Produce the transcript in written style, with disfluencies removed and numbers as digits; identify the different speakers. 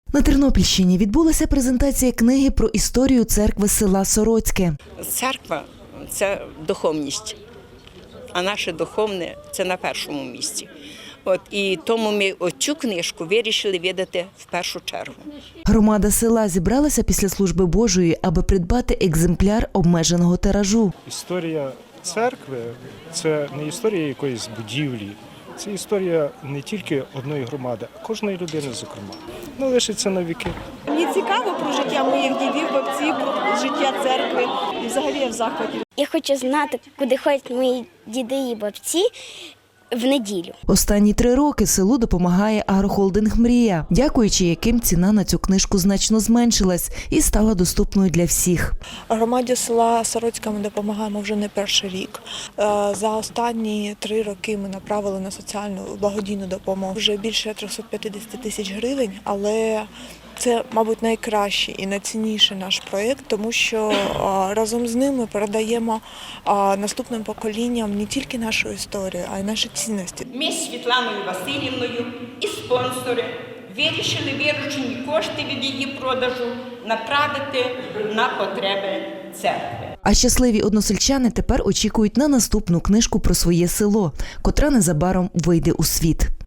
Speaker 1: На Тернопільщині відбулася презентація книги про історію церкви села Сороцьке.
Speaker 2: Церква – це духовність, а наше духовне – це на першому місці. І тому ми цю книжку вирішили видати в першу чергу.
Speaker 1: Громада села зібралася після служби Божої, аби придбати екземпляр обмеженого тиражу.
Speaker 3: Історія церкви – це не історія якоїсь будівлі, це історія не тільки одної громади, а кожної людини, зокрема. Вона лишиться на віки.
Speaker 4: Мені цікаво про життя моїх дідів, бабців, про життя церкви. І взагалі я в захваті.
Speaker 5: Я хочу знати, куди ходять мої діди і бабці в неділю.
Speaker 1: Останні 3 роки селу допомагає агрохолдинг «Мрія», дякуючи яким ціна на цю книжку значно зменшилась і стала доступною для всіх.
Speaker 4: Громаді села Сороцька ми допомагаємо вже не перший рік. За останні 3 роки ми направили на соціальну благодійну допомогу вже більше 350 тисяч гривень, але це, мабуть, найкращий і найцінніший наш проєкт, тому що разом з ним ми передаємо наступним поколінням не тільки нашу історію, а й наші цінності.
Speaker 6: Ми з Світланою Васильівною і спонсори вирішили виручені кошти від її продажу направити на потреби церкви.
Speaker 1: А щасливі односельчани тепер очікують на наступну книжку про своє село, котра незабаром вийде у світ.